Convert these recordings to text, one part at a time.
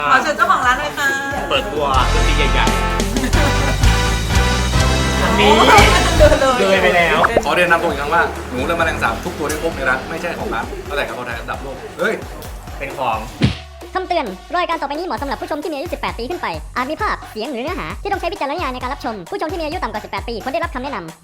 ขอเชิญเจ้าของร้านเลยค่ะเปิดตัวดนตรีใหญ่ๆอันนี้เลยไปแล้วขอเรียนนำตัวอีกครั้งว่าหนูและแมลงสาบทุกตัวที่พบในร้านไม่ใช่ของร้านตั้งแต่กะเพราไทยอันดับโลกเฮ้ยเป็นของคำเตือน รายการต่อไปนี้เหมาะสำหรับผู้ชมที่มีอายุ 18 ปีขึ้นไป อาจมีภาพ เสียง หรือเนื้อหาที่ต้องใช้วิจารณญาณในการรับชม ผู้ชมที่มีอายุต่ำกว่า 18 ปีควรได้รับคำแนะนำ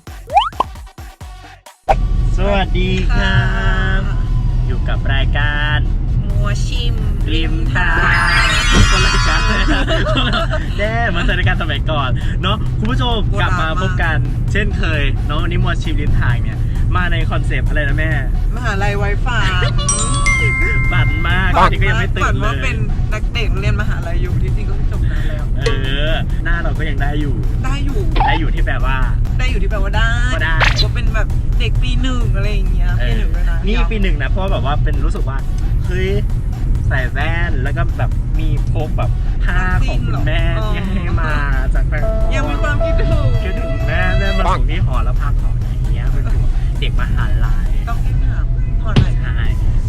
สวัสดีครับอยู่กับรายการมัวชิมริมทางคนรายการแย่เหมือนรายการสมัยก่อนเนาะคุณผู้ชมกลับมาพบกันเช่นเคยเนาะวันนี้มัวชิมริมทางเนี่ยมาในคอนเซปต์อะไรนะแม่มหาลัยไวไฟฝันมากตอนนี้ก็ยังไม่ตื่นเลยฝันว่าเป็นนักเด็กเรียนมหาลัยอยู่ที่จริงก็จบนานแล้วหน้าเราก็ยังได้อยู่ที่แปลว่าได้ก็เป็นแบบเด็กปีหนึ่งอะไรอย่างเงี้ยปีหนึ่งเลยนะนี่ปีหนึ่งนะเพราะแบบว่าเป็นรู้สึกว่าเฮ้ยใส่แว่นแล้วก็แบบมีพกแบบผ้าของคุณแม่ที่ให้มาจากแฟนยังมีความคิดถึงแม่มาส่งที่หอแล้วพักหออย่างเงี้ยเป็นเด็กมหาลัยต้องให้ถามหอไหนใช่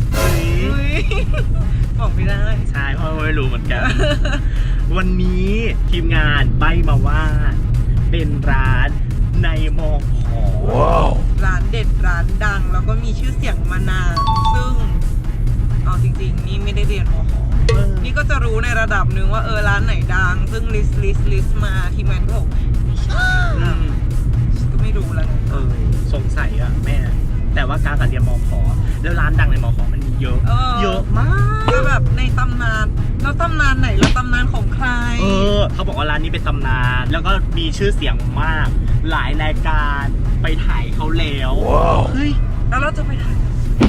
บอกไม่ได้ใช่เพราะไม่รู้เหมือนกันวันนี้ทีมงานใบมาว่าเป็นร้านในมอขอร้านเด็ดร้านดังแล้วก็มีชื่อเสียงมานานซึ่งเอาจริงๆนี่ไม่ได้เรียนมอขอนี่ก็จะรู้ในระดับหนึ่งว่าร้านไหนดังซึ่งลิสต์มาทีมงานก็บอกไม่ใช่ก็ไม่รู้แล้วสงสัยอะแม่แต่ว่าการเรียนมอขอแล้วร้านดังในมอขอมันมีเยอะมากก็แบบในตำนานแล้วตำนานไหนแล้วตำนานของใครเขาบอกว่าร้านนี้เป็นตำนานแล้วก็มีชื่อเสียงมากหลายรายการไปถ่ายเขาแล้วเฮ้ยแล้วเราจะไปถ่าย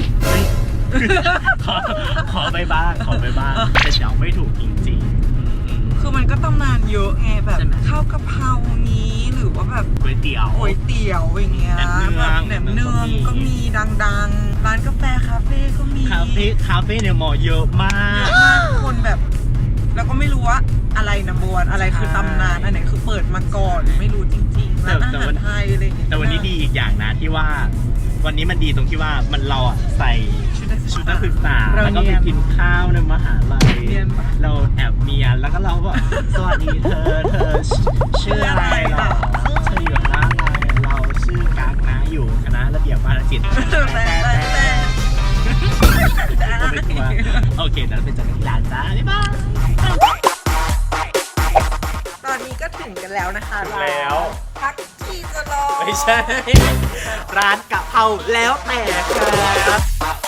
ขอไปบ้างแต่เดาไม่ถูกจริงๆคือมันก็ตำนานเยอะไงแบบข้าวกะเพรานี้หรือว่าแบบก๋วยเตี๋ยวอย่างเงี้ยแบบแหนมเนืองก็มีดังๆร้านกาแฟคาเฟ่ก็มีคาเฟ่เนี่ยหมอเยอะมากคนแบบแล้วก็ไม่รู้ว่าอะไรนัมเบอร์วันอะไรคือตำนานอันไหนคือเปิดมาก่อนไม่รู้จริงๆร้านอาหารไทยอะไรอย่างเงี้ยแต่วันนี้ดีอีกอย่างนะที่ว่าวันนี้มันดีตรงที่ว่ามันเราใส่ชุดนักศึกษาแล้วก็ไปกินข้าวในมหาลัยเราแอบเมียแล้วก็เราบอกสวัสดีเธอชื่ออะไรหรอเธออยู่คณะอะไรเราชื่อกั๊กนะอยู่คณะระเบียบวาทศิลป์โอเคเดี๋ยวเราไปเจอกันที่ร้านจ้าบ๊ายบายตอนนี้ก็ถึงกันแล้วนะคะแล้วพักที่จะรอไม่ใช่ร้านกะเพราแล้วแต่ครับ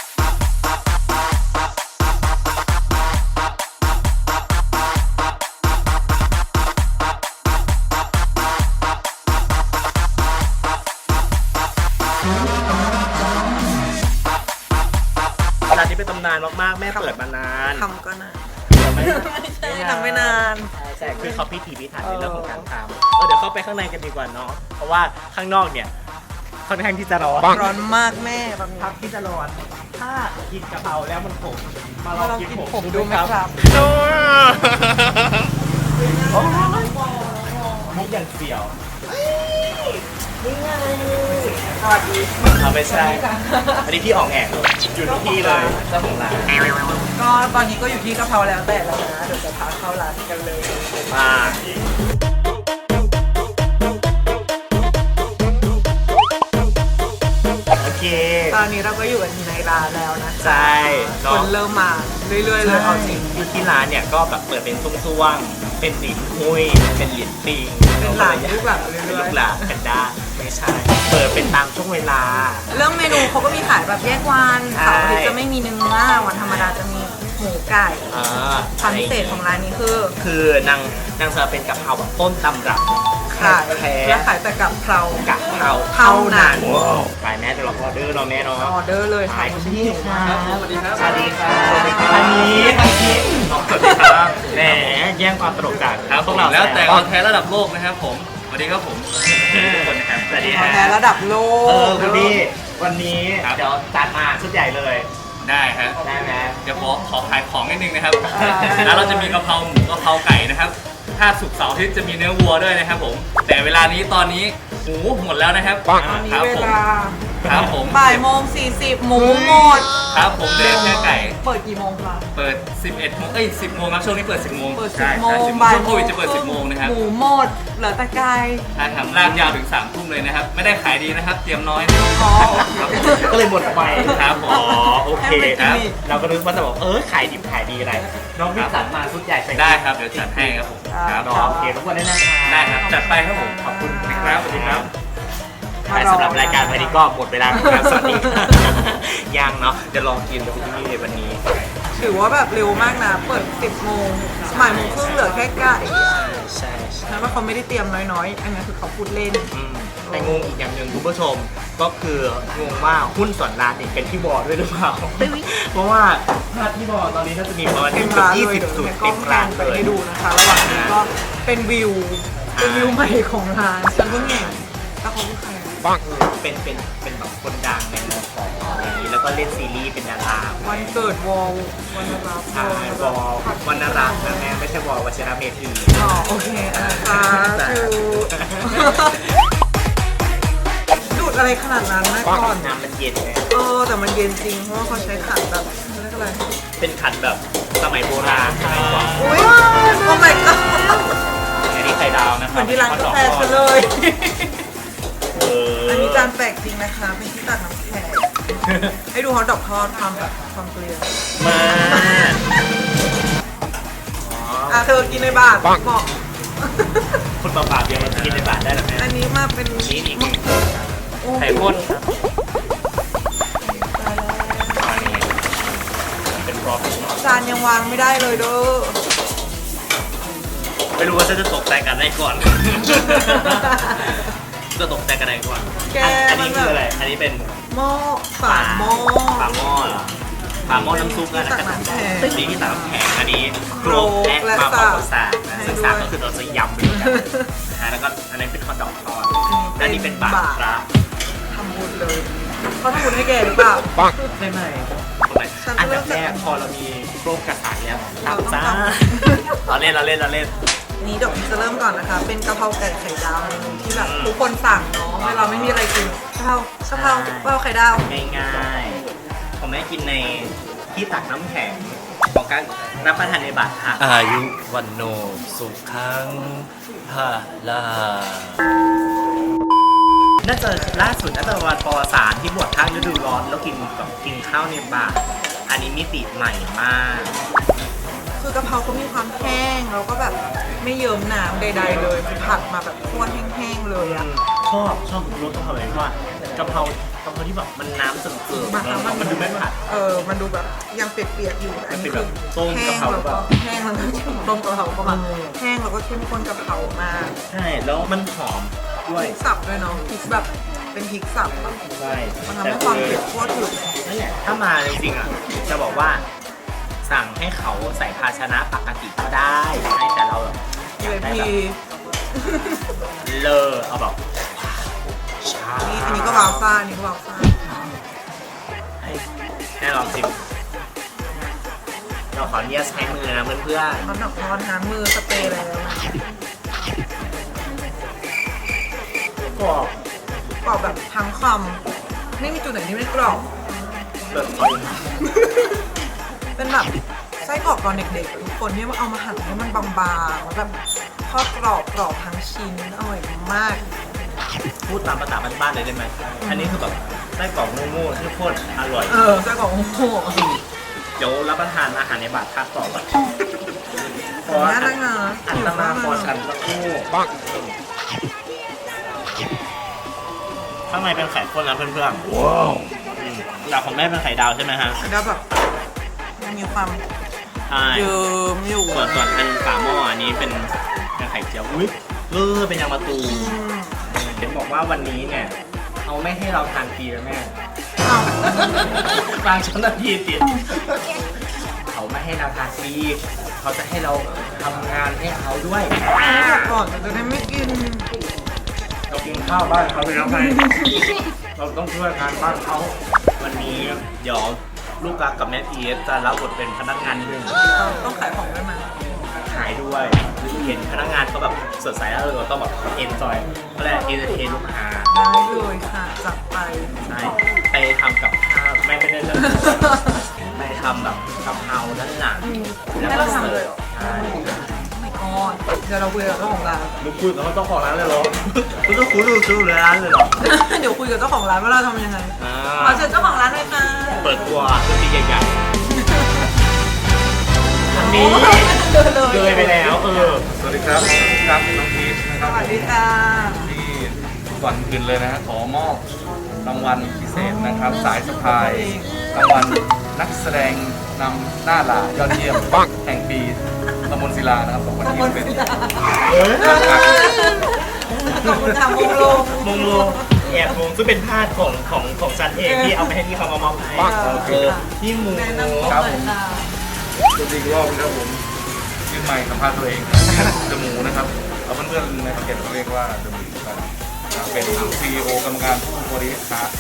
ร้านนี้เป็นตำนานมากๆแม่เปิดมานานทำก็นานไม่ใช่ทำไม่นานใช่คือเขาพิถีพิถันในเรื่องของการทำเดี๋ยวเข้าไปข้างในกันดีกว่าเนาะเพราะว่าข้างนอกเนี่ยค่อนข้างที่จะร้อนมากแม่พักที่จะร้อนถ้ากินกะเพราแล้วมันขมมาลองกินผมดูไหมครับมุกอย่างเสี่ยวนี่ไงไม่ใช่อันนี้พี่ออกแอกอยู่ที่เลยเจ้าของร้านก็ตอนนี้ก็อยู่ที่กะเพราแล้วแต่แล้วนะเดี๋ยวจะพาเข้าร้านกันเลยมาโอเคตอนนี้เราก็อยู่กันในร้านแล้วนะใช่คนเริ่มมาเรื่อยๆเลยเอาจริงอยู่ที่ร้านเนี่ยก็แบบเปิดเป็นช่วงๆเป็นหลินหุ้ยเป็นหลินปิงเป็นหลานลูกหลานลูกหลานกันได้ไม่ใช่เปิดเป็นตามช่วงเวลาเรื่องเมนูเขาก็มีขายแบบแยกวันเสาร์อาทิตย์จะไม่มีเนื้อวันธรรมดาจะมีหมูไก่ความพิเศษของร้านนี้คือนางจะเป็นกะเพราแบบต้นตำรับขายและขายแต่กะเพรากะเพราเท่านั้นขายแม่จะรอออเดอร์เราแม่เนาะออเดอร์เลยขายที่ครับสวัสดีครับสวัสดีครับอันนี้สวัสดีครับแหมแย่งความตลกจากพวกเราแล้วแต่คอนแทนระดับโลกนะครับผมสวัสดีครับผมสวัสดีครับคอนแทนระดับโลกคุณพี่วันนี้เดี๋ยวจัดมาชุดใหญ่เลยได้ฮะได้ไหมเดี๋ยวขอขายของนิดนึงนะครับแล้วเราจะมีกะเพราหมูกะเพราไก่นะครับถ้าศุกร์เสาร์อาทิตย์จะมีเนื้อวัวด้วยนะครับผมแต่เวลานี้ตอนนี้หมูหมดแล้วนะครับตอนนี้เวลาครับผมบ่ายโมง40หมูหมดครับผมเดชแค่ไก่เปิดกี่โมงคะเปิด 11 โมง 10 โมงครับช่วงนี้เปิด 10 โมงเปิดใช่ 10โมงช่วบ่ายงโควิดจะเปิด 10 โมงนะครับหมูหมดเหลือแต่ไก่ถ้าทำลากยาวถึง 3 ทุ่มเลยนะครับ ไม่ได้ขายดีนะครับ เตรียมน้อยนะครับอ๋อครับผมก็เลยหมดไปครับผมอ๋อโอเคให้มันกิคน รับอีกเราก็นึกว่าจะบอกขายดิบขายดีอะไรน้องพี่สันมาชุดใหญ่ใส่ได้ครับเดี๋ยวจัดให้ครับผมครับน้องโอเคทุกคนได้นะคะได้ครับจัดไปครับผมขอบคุณครับสวัสดีครับสำหรับรายการวันนี้ก็หมดเวลาแล้วครับสวัสดีครับยังเนาะจะลองกินดูที่นี่ในวันนี้ถือว่าแบบเร็วมากนะ เปิด 10 โมงบ่ายโมงครึ่งเหลือแค่ไก่ใช่นั้นว่าเขาไม่ได้เตรียมน้อยๆ อันนี้คือเขาพูดเล่นแต่งงอีกอย่างหนึ่งคุณผู้ชมก็คืองงว่าหุ้นส่วนร้านนี่เป็นที่บอด้วยหรือเปล่า เพราะว่าถ้าที่บอตอนนี้น่าจะมีประมาณเต็มร้านเลย 20 จุดเนี่ยก็เต็มแพร้านนไปเลยให้ดูนะคะ ระหว่างนี้ก็เป็นวิวใหม่ของร้านฉันเพิ่งเห็นแล้วเขาคือใครอะเป็นแบบคนดังในมอของอะไรอย่างนี้แล้วก็เล่นซีรีส์เป็นดาราวันเกิดวอลวันรับใช่วอลวรรณรัตน์นะแม่ไม่ใช่วอลวชิระเมธีอ๋อโอเคนะคะชื่อดูดอะไรขนาดนั้นนะก่อนน้ำมันเย็นไงแต่มันเย็นจริง เพราะว่าเขาใช้ขันแบบเรียกอะไรเป็นขันแบบสมัยโบราณสมัยก่อนอุ้ยโอ้ my god อันนี้ไข่ดาวนะคเหรัมือนที่ร้านกาแฟฉันเลย อันนี้จานแปลกจริงนะคะ เป็นที่ตักน้ำแข็งให้ดูฮอตดอกทอดความแบบความเกลียวมาเธอกินในบาทบอกคนเปล่าๆเดียวมันกินในบาทได้หรือไม่อันนี้มาเป็นนี่อีกโอ้ไข่ข้นครับอันนี้เป็นพร็อพจานยังวางไม่ได้เลยเด้อไม่รู้ว่าจะตกใจกันได้ก่อน จะตกใจกันได้ก่อนแกอันนี้คืออะไร อันนี้เป็นหม้อฝาหม้อฝาหม้อเหรอฝาหม้อน้ำซุปนะตักน้ำแข็งนี่ที่ตักน้ำแข็งอันนี้โครกและมาปอกสากนะซึ่งสากก็คือเราจะยำไปด้วยกันนะฮะแล้วก็อันนี้เป็นข้าวดอกทอดอันนี้เป็นบาทพระทำบุญเลยเขาทำบุญให้แกหรือเปล่าใช่ไหมคนไหนฉันอันเริ่ดับมแรจากกพอเรามีโครกกระสานแล้วเราตับต้องจ้าทำเราเล่นนี้เดี๋ยวจะเริ่มก่อนนะคะ เป็นกะเพราไก่ไข่ดาวเมนูที่แบบทุกคนสั่งเนาะเวลาไม่มีอะไรกินกะเพราไข่ดาวง่ายๆผมได้กินในที่ตักน้ำแข็งของการรับประทานในบาทค่ะอายุวันโนสุขังพาลาน่าจะล่าสุดน่าจะวันปอสารที่บวชข้างฤดูร้อนแล้วกินข้าวในบาทอันนี้มิติใหม่มากคือกะเพราเขามีความแห้งแล้วก็แบบไม่เยิ้มน้ำใดๆเลยคือผัดมาแบบข้นแห้งๆเลยอะชอบรสกะเพราเลยว่ากะเพรที่แบบมันน้ำเสริมๆมันดูไม่ผัดมันดูแบบยังเปียกๆอยู่อันนี้มันเป็นคืแบบต้มอแห้กะงเพราแล้วก็แห้งแล้วก็ต้มกะเพราเข้ามาแห้งแล้วก็เข้มข้นกะเพรามากใช่แล้วมันหอมด้วยพริกสับด้วยเนาะพริกแบบเป็นพริกสับอะใช่มันทำให้ความเผ็ดทั่วถึงนั่นแหละถ้ามาจริงๆอ่ะจะบอกว่าสั่งให้เขาใส่ภาชนะปกติก็ได้ใช่แต่เราแบบอยากได้พีแบบเลอเอาแบบชาอันนี้ก็วาวซ่าอันนี้ก็วาวซ่าให้ลองชิมเราขออนุญาตใช้มือนะเพื่อนเขาหนักร้อนน้ำมือสเปรย์แล้วๆกรอบกรอบแบบทั้งคำไม่มีจุดไหนที่ไม่กรอบแบบจริงเป็นแบบไส้กรอกตอนเด็กๆทุกคนที่มันเอามาหั่นให้มันบางๆแล้วแบบทอดกรอบทั้งชิ้นอร่อยมากพูดตามภาษาบ้านๆเลยได้ไหมอันนี้คือแบบไส้กรอกโง่ๆที่โคตรอร่อยไส้กรอกโอ้โหเดี๋ยวรับประทานอาหารในบาททักต่อก่อนขออนุญาตนะคะอันตราพอชันสักครู่ข้างในเป็นไข่ข้นนะเพื่อนๆว้าวหลักของแม่เป็นไข่ดาวใช่ไหมฮะแล้วแบบมันมีความใช่เยิ้มอยู่ส่วนอันฝาหม้ออันนี้เป็นไข่เจียวอุ้ยเป็นยางมะตูมเห็นบอกว่าวันนี้เนี่ยเอาไม่ให้เราทานฟรีแล้วแม่อ้าวกลางชั้นนาทีติดเขาไม่ให้เราทานฟรีเขาจะให้เราทำงานให้เขาด้วยก่อนจะได้ไม่กินเรากินข้าวบ้านเขาไปแล้วไง เราต้องช่วยงานบ้านเขา วันนี้เดี๋ยวลูกกักกับแม่พีเอสจะรับบทเป็นพนักงานหนึ่งต้องขายของด้วยมั้ยขายด้วยเห็นพนักงานเขาแบบสดใสแล้วเราต้องแบบเอนจอยก็เลยเอนเตอร์เทนลูกค้าได้เลยค่ะจัดไปใช่ไปทำกับข้าวไม่ได้เลยไปทำแบบกะเพราด้านหลังให้เราทำเลยเหรอใช่ไม่ก่อนเดี๋ยวเราคุยกับเจ้าของร้านลูกคุยกับเจ้าของร้านเลยเหรอคุณต้องคุยดูร้านเลยเหรอเดี๋ยวคุยกับเจ้าของร้านว่าเราทำยังไงอ่าขอเชิญเจ้าของร้านเลยค่ะเปิดตัวตัวตีใหญ่ๆอันนี้เลยไปแล้วสวัสดีครับครับน้องพีชนะคสรับวัสดีค่ะที่ก่อนอื่นเลยนะฮะขอมอบรางวัลพิเศษนะครับ สายสะพายรางวัลนักแสดงนำหน้าหลายอดเยี่ยมแห่งปีตำบลศิลานะครับ2021 ขอบคุณทำวงโลงมงโลแอบมงซึ่งเป็นพาดของฉันเองที่เอาไปให้พี่เขามามอบให้พี่หมูแนะนำตัวครับเลผยมค่ะตัวจริงรอบนะครับผมชื่อใหม่สัมภาษณ์ตัวเองเดอะหมูนะครับเอาเพื่อนๆในประเทศเขาเรียกว่าเดอะหมูกันเป็น CEO กรรมการผู้บริหาร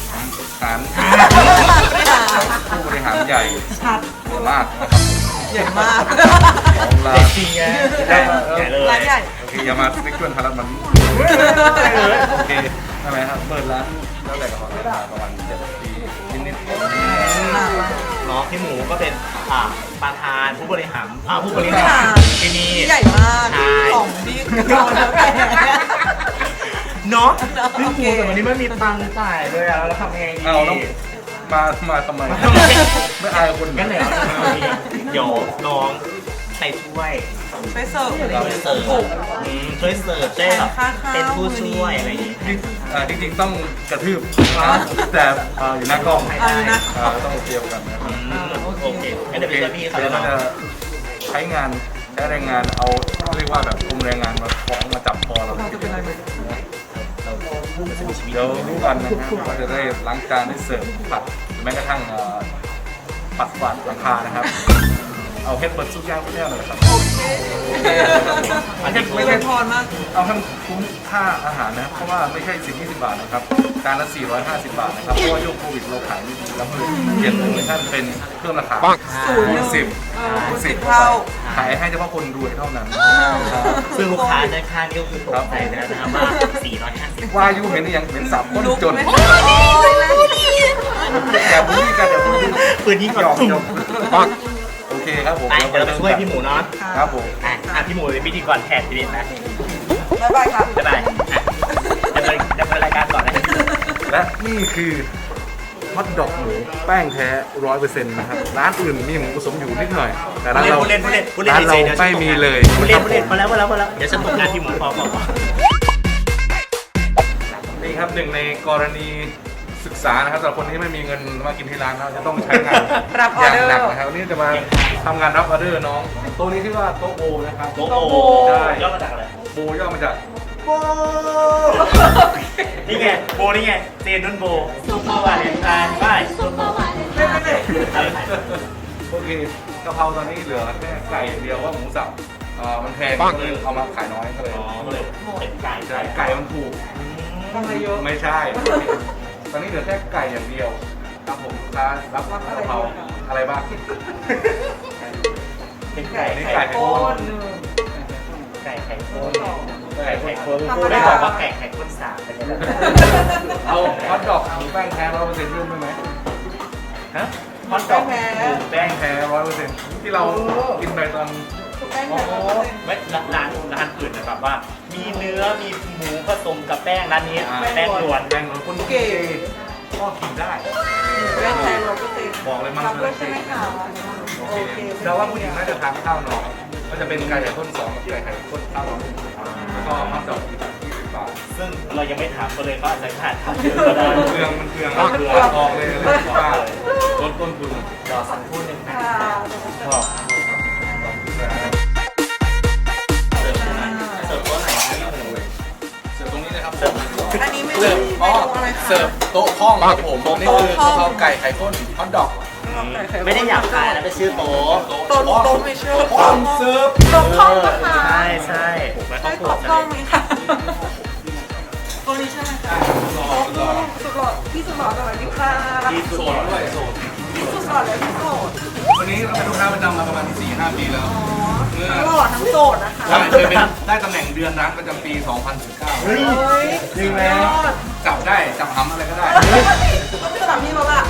ผู้บริหารใหญ่ชัดมากนะครับใหญ่มากของร้าเด็นกจริงไงใหญ่เลยร้านใหญ่โอเคอย่ามาเล็กชวนพารัตมันโอเคทำไมครับเปิดร้านตั้งแต่ก่อนประมาณ7 ปีนิดๆเนาะพี่หมูก็เป็นประธานผู้บริหารผู้บริหารที่นี่ใหญ่มากใช่ของดีโดนแล้วแกเนาะพี่หมูแต่วันนี้ไม่มีตังค์จ่ายเลยอะเราทำยังไงดีเอาแล้วมาทำไมไม่อายคนงั้นเดี๋ยวน้องไปช่วยไปเสิร์ฟอะไรอย่างเงี้ยเสิร์ฟถูกช่วยเสิร์ฟได้แบบค่าข้าวเป็นผู้ช่วยอะไรอย่างงี้จริงๆต้องกระทืบแต่อยู่หน้ากล้องอยู่นะต้องเตรียมกันนะครับโอเคงั้นเดี๋ยวไปช่วยพี่เขาเดี๋แล้ยว วเนาะเราจะใช้แรงงานเอาเรียกว่าแบบกลุ่มแรงงานมาฟ้องมาจับคอเราเราจะเป็นอะไรไหมเดี๋ยวรู้กันนะครับว่าจะได้ล้างจานได้เสิร์ฟผัดหรือแม้กระทั่งปัดกวาดหลังคานะครับ เอาเฮ็ดเปิดซุปย่างพวกนี้เลยครับอันนี้ไม่เป็นพรมากเอาให้มันคุ้มค่าอาหารนะเพราะว่าไม่ใช่10-20 บาทนะครับจานละ450 บาทนะครับเพราะว่ายุคโควิดเราขายไม่ดีแล้วเพิ่มเปลี่ยนโปรโมชั่นเป็นเพิ่มราคา คูณ 10 เท่าขายให้เฉพาะคนรวยเท่านั้นซึ่งลูกค้าด้านข้างนี่ก็คือตกใจไปแล้วนะครับว่า450 ว่ายุเห็นหรือยังเห็นสับคนจนไม่อย่าพูดกันอย่าพูดปืนยิงหก่ยออกนหยอกโอเคครับผมไปเดี๋ยวเราไปช่วยพี่หมูเนาะครับผมพี่หมูเป็นพิธีกรแทนทีนี้นะบ๊ายบายครับบ๊ายบายจะเป็นรายการก่อนนะและนี่คือฮอทดอกหมูแป้งแท้ 100% นะครับร้านอื่นมีหมูผสมอยู่นิดหน่อยแต่ร้านเราพูดเล่นร้านเราไม่มีเลยพูดเล่นพอแล้วเดี๋ยวฉันตกงานพี่หมูพอนี่ครับหนึ่งในกรณีศึกษานะครับสำหรับคนที่ไม่มีเงินมากินที่ร้านเราจะต้องใช้งานรับอออย่าง เดอร์หนักนะครับวันนี้จะมาทำงานรับออเดอร์น้องโต๊ะนี้ชื่อว่าโต๊ะโบนะครับโอ้โหย่อมาจากอะไรโบย่อมาจากโบนี่ไงโบนี่ไงเจนนุ่นโบซุปเปอร์วาเลนไทน์ไปโอเคกะเพราตอนนี้เหลือแค่ไก่อย่างเดียวว่าหมูสับมันแพงก็เลยเอามาขายน้อยก็เลยก็เลยเป็นไก่ใช่ไก่มันถูกทำอะไรเยอะไม่ใช่ ตอนนี้เหลือแค่ไก่อย่างเดียวครับผมลูกค้ารับกะเพราอะไรบ้างเป็นไก่นี่ไข่ไก่ข้ข้นนไก่ไข่ข้นไก่ข้นไม่บอกว่าไก่ไข่ข้นสามไปเลยเอาฮอทดอกหมูแป้งแท้100%ยุ่งได้ไหมฮะฮอตดอกหมูแป้งแท้ 100%ที่เรากินไปตอนแป้งแท้100% ไม่ร้านอื่นนะแบบว่า มีเนื้อมีหมูผสมกับแป้งร้านนี้แป้งล้วนแป้งคนเก๋ก็กินได้แป้งแท้100% บอกเลยมันรับด้วยใช่ไหมคะโอเคแต่ว่าผู้หญิงน่าจะทานข้าวหน่อยก็จะเป็นไก่ไข่ข้น2กับไก่ไข่ข้นข้าวหน่อยแล้วก็ฮอทดอกอีก20 บาทซึ่งเรายังไม่ถามกันเลยก็อาจจะขาดทำเยอะก็ได้เครื่องมันเครื่องออกเลยว่าลดต้นทุนรอสักครู่หนึ่งนะค่ะชอบเสิร์ฟตัวไหนครับเสิร์ฟตรงนี้เลยครับอันนี้ไม่เสิร์ฟเมนูอะไรคะเสิร์ฟโต๊ะห้องครับผมนี่คือกะเพราไก่ไข่ข้นฮอทดอกไม่ได้อยากขายนะเป็นชื่อโต๊ะโต๊ะไม่เชื่อห้องเสิร์ฟโต๊ะห้องนะคะใช่ใช่ผมไปใช่เข้าครัวโต๊ะห้องไหมคะตรงนี้ใช่ไหมคะโต๊ะสุดหล่อพี่สุดหล่อสวัสดีค่ะที่โซสุดนด้วยโซนก่อนเลยพี่โสดวันนี้เราเป็นลูกค้าประจำมาประมาณ 4-5 ปีแล้วตลอดทั้งโสดนะคะเคยเป็นได้ตำแหน่งเดือนร้านประจำปี 2019 เฮ้ย จริงไหมจับได้จับหำอะไรก็ได้ต้องไปถามพี่เราละ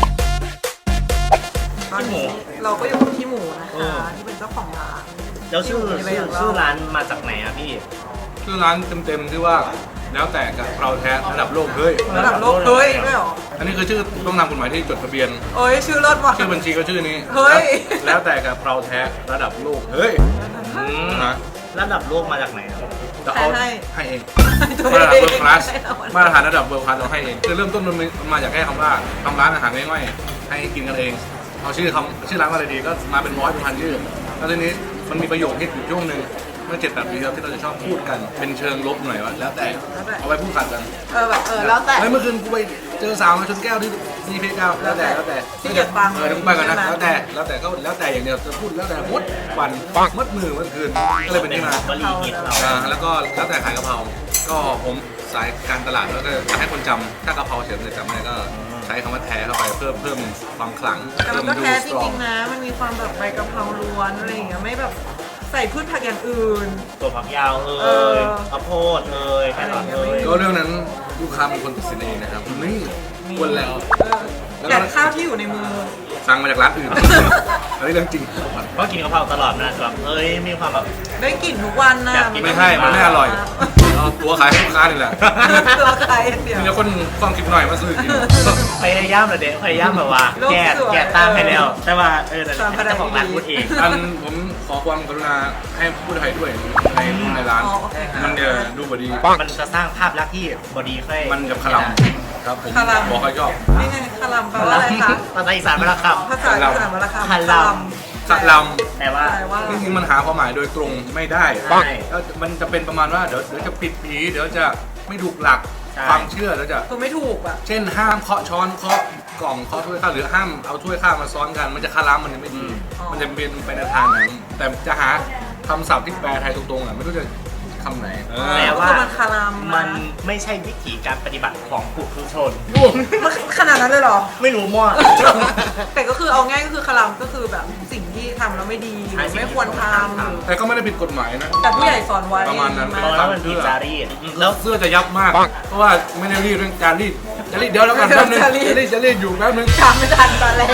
ตอนนี้เราก็อยู่กับพี่หมูนะคะที่เป็นเจ้าของร้านแล้วชื่อร้านมาจากไหนอะพี่ชื่อร้านเต็มๆที่ว่าแล้วแต่กับเราแท้ระดับโลกเฮ้ยระดับโลกเฮ้ยด้วยเหรออันนี้คือชื่อต้องนำกฎหมายที่จดทะเบียนเอ้ยชื่อเลิศว่ะชื่อบัญชีก็ชื่อนี้เฮ้ยแล้วแต่กับเราแท้ระดับโลกเฮ้ยนะระดับโลกมาจากไหนอะจะเอาให้ให้เองตัวมาตรฐานเอเวิร์งคลาสมาตรฐานระดับเวิร์คลาสเราให้เองคือเริ่มต้นมันมาจากแค่คำว่าทำร้านอาหารง่ายๆให้กินกันเองเอาชื่อร้านมาอะไรดีก็มาเป็นร้อยเป็นพันชื่อแล้วทีนี้มันมีประโยคที่อยู่ช่วงหนึ่งเมื่อ7-8 ปีที่แล้วที่เราจะชอบพูดกันเป็นเชิงลบหน่อยว่าแล้วแต่เอาไว้พูดขัดกันแบบแล้วแต่เฮ้ยเมื่อคืนกูไปเจอสาวมาชนแก้วที่มีเพแก้วแล้วแต่ที่เกียจฟังต้องไปก่อนนะแล้วแต่ก็แล้วแต่อย่างเดียวจะพูดแล้วแต่มดวันมดมือเมื่อคืนก็เลยเป็นที่มาวลีฮิตเราแล้วก็แล้วแต่ขายกะเพราก็ผมสายการตลาดแล้วก็จะให้คนจำถ้ากะเพราเฉยๆจำไม่ได้ก็ใช้คำว่าแท้เข้าไปเพิ่มความขลังแต่มันก็แท้จริงๆนะ มันมีความแบบใบกะเพราล้วนอะไรอย่างเงี้ยไม่แบบใส่พืชผักอย่างอื่นตัวผักยาวข้าวโพดแครอทก็เรื่องนั้นลูกค้าเป็นคนตัดสินเองนะครับนี่ควรแล้วแต่ข้าวที่อยู่ในมือสั่งมาจากร้านอื่น อันนี้เรื่องจริงก็กินกะเพราตลอดนะแบบมีความแบบได้กลิ่นทุกวันนะอยากกินไม่ใช่มันไม่อร่อยเอาตัวขายให้ลูกค้านี่แหละตัวใครอย่างเดียวมีแต่คนความคิดหน่อยมาซื้อกินพยายามเลยเด็กพยายามแบบว่า แก่ตามให้แล้ว แต่ว่าแต่เจ้าของร้านพูดเองอันผมขอความกรุณาให้พูดไทยด้วยในร้านอ๋อโอเคค่ะมันจะดูบดีมันจะสร้างภาพลักษณ์ที่บอดีค่อยมันจะขลำครับผมบอกให้ชอบนี่ไงคารัมแปลว่าอะไรคะภาษาอีสานเป็นคภาษาอีสานวรรณคำคารัมขลำแต่ว่าแปลว่าำจริงๆมันหาความหมายโดยตรงไม่ได้ใช่แล้วมันจะเป็นประมาณว่าเดี๋ยวจะผิดผีเดี๋ยวจะไม่ถูกหลักใช่ความเชื่อแล้วจะคือไม่ถูกอ่ะเช่นห้ามเคาะช้อนเคาะกล่องเคาะถ้วยข้าวหรือห้ามเอาถ้วยข้าวมาซ้อนกัน มันจะคาร้ามันจะไม่ดีอ๋อมันจะเป็นไปในทางนั้นแต่จะหาคำศัพท์ที่แปลไทยตรงๆอ่ะไม่รู้จะคำไหนแต่ว่ามันคารัมมันไม่ใช่วิถีการปฏิบัติของผู้ทุชนมันขนาดนั้นเลยเหรอไม่รู้มั่วแต่ก็คือเอาง่ายก็คือคารัมก็คือแบบสิ่งที่ทำแล้วไม่ดีใช่ไม่ควรทำแต่ก็ไม่ได้ผิดกฎหมายนะแต่ผู้ใหญ่สอนไว้ประมาณนั้นเพราะว่ามันผิดจารีตแล้วเสื้อจะยับมาก เพราะว่าไม่ได้รีดเรื่องการรีดจะรีดเดี๋ยวแล้วกันแป๊บนึงจะรีดอยู่แป๊บนึงทำไม่ทันตอนแรก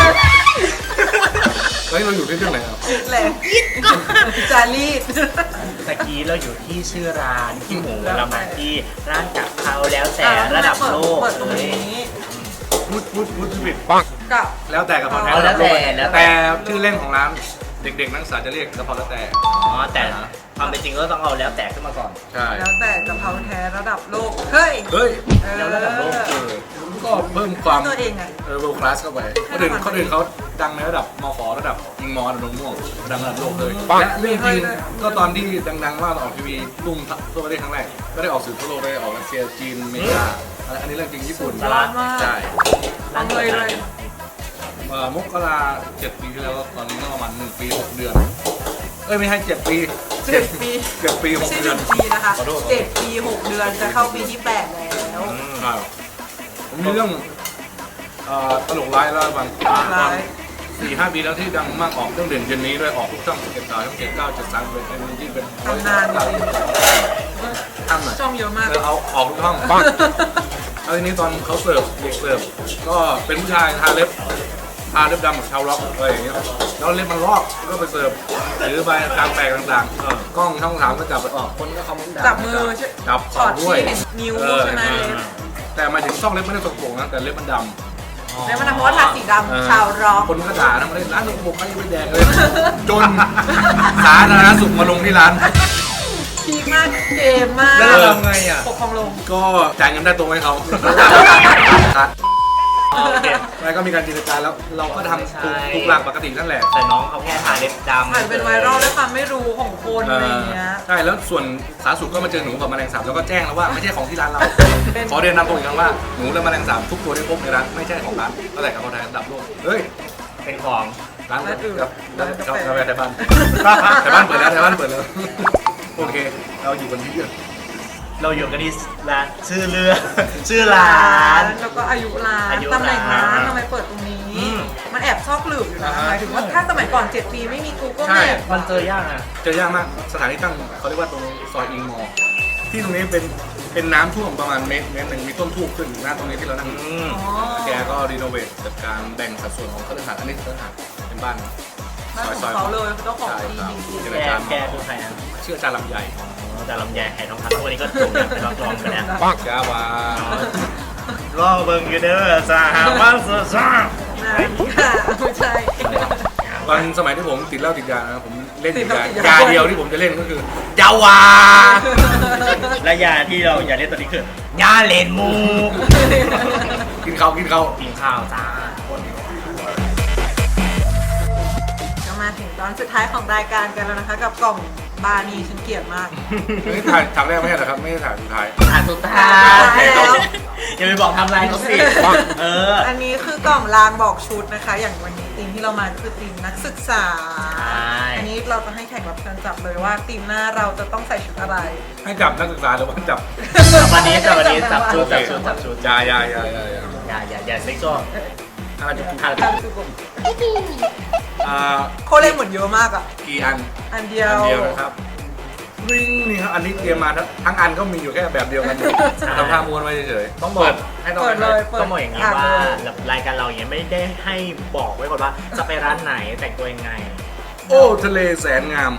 เฮ้ยเราอยู่ที่เรื่องไหนอ่ะแหลกจารีดตะกี้เราอยู่ที่ชื่อร้านที่หมูเรามาที่ร้านกะเพราแล้วแต่ระดับโลกเปิดตรงนี้พูดผิดกับแล้วแต่กระเพราแท้แล้วแต่แล้วแต่แต่ชื่อเล่นของร้านเด็กๆนักศึกษาจะเรียกกระเพราแล้วแต่อ๋อแต่ความเป็นจริงก็ต้องเอาแล้วแต่ขึ้นมาก่อนใช่แล้วแต่กะเพราแท้ระดับโลก เฮ้ยเฮ้ยแล้วระดับโลกก็เพิ่มความตัวเองไง world class เข้าไปคนอื่นเขาดังในระดับมขระดับยิงมอระดับม่วงดังระดับโลกเลยและเรื่องจริงก็ตอนที่ดังๆว่าออกทีวีตุ้มทั่วประเทศครั้งแรกก็ได้ออกสื่อทั่วโลกได้ออกรัสเซียจีนอเมริกาอันนี้เรื่องจริงญี่ปุ่นร้านใช่ร้านเลยเลยมกรา7 ปีที่แล้วตอนนี้ก็ประมาณ1 ปี 6 เดือนเอ้ยไม่ใช่7 ปี 7 ปี 7 ปีไม่ 6 ใช่เดือน 1 ปีนะคะขอโทษ 7 ปี 6 เดือนจะเข้าปีที่ 8 แล้วครับผมมีเรื่องตลกร้ายแล้วบางตอน 4-5 ปีแล้วที่ดังมากออกเรื่องเด่นเย็นนี้ด้วยออกทุกช่อง11 ช่อง7 9 7 3เป็นที่เป็นทำนานจริงทำหน่อยช่องเยอะมากเอาออกทุกช่องแล้วทีนี้ตอนเขาเสิร์ฟเด็กเสิร์ฟก็เป็นผู้ชายทาเล็บดำแบบชาวล็อกอะไรอย่างเงี้ยแล้วเล็บมันลอกก็ไปเสิร์ฟหรือใบกลางแปลกต่างๆกล้องช่องถามก็จับไปออกคนก็คอมเมนต์ด่าจับมือจับช็อตด้วยที่เห็นนิ้วใช่ไหมเล็บแต่หมายถึงช่องเล็บไม่ได้สกปรกนะแต่เล็บมันดำแล้วมันทำเพราะว่าทาสีดำชาวร็อกคนก็ด่านะมาเล่นร้านสกปรกใครจะไปแดกเลยจนสาธารณสุขมาลงที่ร้านพีคมากเกมมากแล้วเราทำไงอ่ะปกครองลงก็จ่ายเงินได้ตรงให้เขาครับโอเคแล้วก็มีการจินตนาการแล้วเราก็ทำถูกหลักปกตินั่นแหละแต่น้องเขาแค่ทาเล็บดำถ่ายเป็นไวรัลด้วยความไม่รู้ของคนอะไรเงี้ยใช่แล้วส่วนสาธารณสุขก็มาเจอหนูกับแมลงสาบแล้วก็แจ้งแล้วว่าไม่ใช่ของที่ร้านเรา ขอเรียนนำตรงอีกครั้งว่าหนูและแมลงสาบทุกตัวที่พบในร้านไม่ใช่ของร้านตั้งแต่กับคนไทยระดับโลกเฮ้ยเป็นของร้านกับชอบกาแฟไทยบ้านไทยบ้านเปิดแล้วโอเคเราอยู่กันที่เยอะเราอยู่กันที่ร้านชื่อเรือชื่อร้านแล้วก็อายุร้านอายุตำแหน่งร้านร้านทำไมเปิดตรงนี้อืมมันแอบซอกหลืบอยู่นะหมายถึงว่าถ้าสมัยก่อน 7 ปีไม่มี Google ใช่ Map มันเจอยากอ่ะเจอยากมากสถานที่ตั้งเขาเรียกว่าตรงซอยอิงมอที่ตรงนี้เป็นน้ำท่วมประมาณเมตรหนึ่งมีต้นทูบขึ้นหน้าตรงนี้ที่เรานั่งอืมอ๋อแกก็รีโนเวทจัดการแบ่งสัดส่วนของคฤหาสน์อันนี้คฤหาสน์เป็นบ้านบ้านของเขาเลยเจ้าของที่ดินใช่แกครับแกคือใครอ่ะชื่ออาจารย์ลำไยแต่ลำแยไข่ทองคำวันนี้ก็ถูกเป็นนักร้องไปแล้วจ้าวารอเบิ่งอยู่เด้อสหวังสดซ่าไม่ใช่วันสมัยที่ผมติดเหล้าติดยานะผมเล่นติติดดเหล้าติดยายาเดียวที่ผมจะเล่นก็คือยาวาและยาที่เราอยากเล่นตอนนี้คือยาเลนมูกกินเขากินเขากินข้าวจ้าจะมาถึงตอนสุดท้ายของรายการกันแล้วนะคะ กับกล่องบานีฉันเกลียดมากไม่ถ่ายฉากแรกไม่ใช่เหรอครับไม่ได้ถ่ายสุดท้ายอ่านสุดท้ายแล้วอย่าไปบอกทำลายเขาสิเอออันนี้คือกล่องรางบอกชุดนะคะ อย่างวันนี้ทีมที่เรามาคือทีมนักศึกษา อันนี้เราจะให้แขกรับเชิญจับเลยว่าทีมหน้าเราจะต้องใส่ชุดอะไรให้จับนักศึกษาหรือว่าจับวันนี้จับชุดจับชุดยายาอย่าเซ็กซ์ก็อะไรจะทานโคเล่เหมือนเยอะมากอ่ะกี่อันอันเดียวอันเดียวนะครับวิ่งนี่ครับอันนี้เตรียมมาทั้งอันก็มีอยู่แค่แบบเดียวกันหมดทำท่าม้วนไว้เฉยๆต้องบอกให้ต้องเปิดเลยเปิดต้องบอกอย่างนี้ว่ารายการเราอย่างไม่ได้ให้บอกไว้ก่อนว่าจะไปร้านไหนแต่งตัวยังไงโอ้ทะเลแสนงาม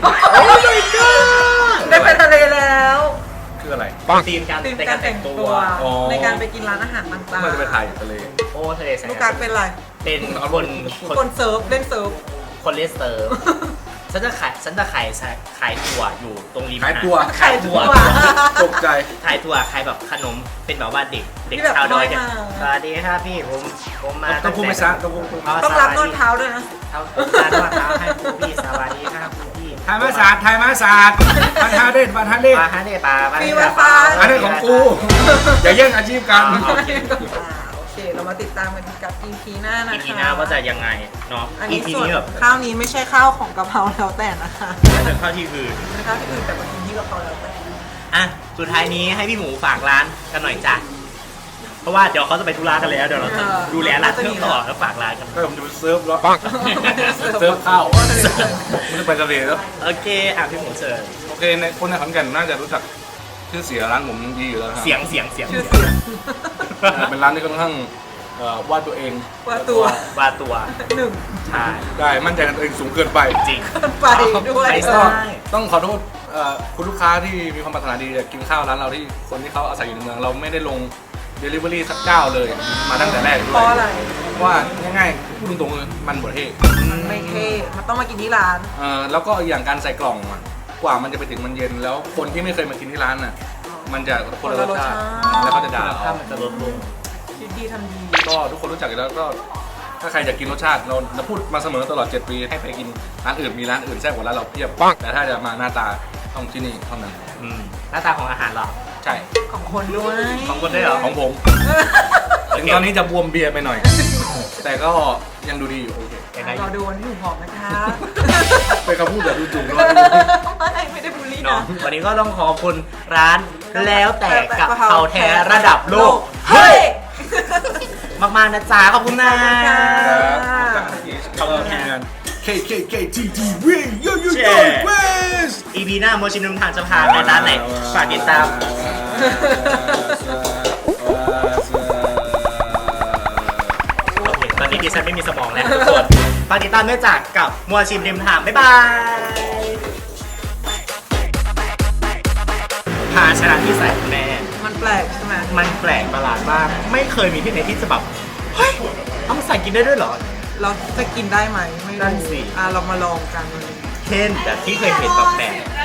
ได้ไปทะเลแล้วคืออะไรทีมการทีมในกาการ รแต่แต่งงตัตัว วอ๋อในการไปกินร้านอาหารต่างเมื่อจะไปถ่ายอยู่ทะเลโอ้ทะเลแสงลูกการเป็นอะไรเป็นคนคนเซิร์ฟเล่นเซิร์ฟคนเลสเตอร์ฉันจะขายถั่วอยู่ตรงริมขายตัวขายถั่วตกใจขายถั่วขายแบบขนมเป็นแบบว่าเด็กที่แบบชาวดอยเนี่ยน้อยมาสวัสดีครับพี่ผมมาต้องพูดไม่ซะต้องพูดต้องรับนวดเท้าด้วยนะเอาการนวดเท้าให้คุณพี่สวัสดีครับคุณพี่ไทยมาศาสตร์บันทาเด่นบันทาเด่นปลาฮะเนี่ยปลาฟรี Wi-Fi อันนี้ของกูอย่าแย่งอาชีพกันโอเค เรามาติดตามกันกับ EP หน้านะคะอีพีหน้าว่าจะยังไงเนาะอันอีนี้พีส่วนนี้แบบข้าวนี้ไม่ใช่ข้าวของกะเพราแล้วแต่นะคะจะเข้าที่อื่นเป็นข้าวที่อื่นแต่วันนี้กะเพราแล้วแต่อ่ะสุดท้ายนี้ให้พี่หมูฝากร้านกันหน่อยจ้ะเพราะว่าเดี๋ยวเขาจะไปธุระกันแล้วเดี๋ยวเราจะดูแลร้านเครื่องต่อแล้วฝากร้านกันก็ผมจะไปเซิร์ฟแล้วเซิร์ฟข้าวไม่ได้ไปทะเลแล้วโอเคอ่ะพี่หมูเชิญโอเคในคนในขอนแก่นน่าจะรู้จักชื่อเสียร้านผมดีอยู่แล้วครับเสียงชื่อเสียงเป็นร้านที่ค่อนข้างวาดตัวเองว่าตัวว่าตัวหนึ่งใช่ได้มั่นใจในตัวเองสูงเกินไปจริงไปด้วยไปก็ใช่ต้องขอโทษคุณลูกค้าที่มีความปรารถนาดีจะกินข้าวร้านเราที่คนที่เขาอาศัยอยู่ในเมืองเราไม่ได้ลง Delivery สักเจ้าเลย มาตั้งแต่แรกด้เพวยราะอะไรเพราะว่าง่ายๆพูดตรงๆเลยมันบดเท่มันไม่เท่มันต้องมากินที่ร้านแล้วก็อย่างการใส่กล่องอะกว่ามันจะไปถึงมันเย็นแล้วคนที่ไม่เคยมากินที่ร้านน่ะมันจะคนละรสชาติแล้วก็จะด่าถ้าเอามันจะลดลงคิดดีทำดีก็ทุกคนรู้จักอยู่แล้วก็ถ้าใครอยากกินรสชาติเราพูดมาเสมอตลอด 7 ปีให้ไปกินร้านอื่นมีร้านอื่นแซ่บกว่าร้านเราเพียบแต่ถ้าจะมาหน้าตาต้องที่นี่เท่านั้นหน้าตาของอาหารเราใช่ของคนด้วยของคนได้เหรอของผมถึงตอนนี้จะบวมเบียร์ไปหน่อย แต่ก็ยังดูดีอยู่โอเคยังไงรอดูวันที่หนูผอมนะคะเป็นคำพูดแบบดูจุกๆรอดูไม่ได้บูลลี่เนาะนะวันนี้ก็ต้องขอบคุณร้านแล้วแต่กับเพราแท้ระดับโลกเฮ้ยมากๆนะจ๊ะขอบคุณนะขอบคุณทีมงาน KKKTTV Yo Yo Yo West EP หน้าโมชินุมทางจะพาไปร้านไหนฝากติดตามโอเคตอนนี้ดิฉันไม่มีสมองแล้วทุกคนฝากติดตามด้วยจากกับมัวชิมริมทางบ๊ายบายภาชนะที่ใส่คุณแม่มันแปลกใช่ไหมมันแปลกประหลาดมากไม่เคยมีที่ไหนที่จะแบบเฮ้ยเอามาใส่กินได้ด้วยเหรอเราจะกินได้ไหมไม่นั่นรู้สิเรามาลองกันวันนี้เช่นแบบที่เคยเห็นแบบแปลก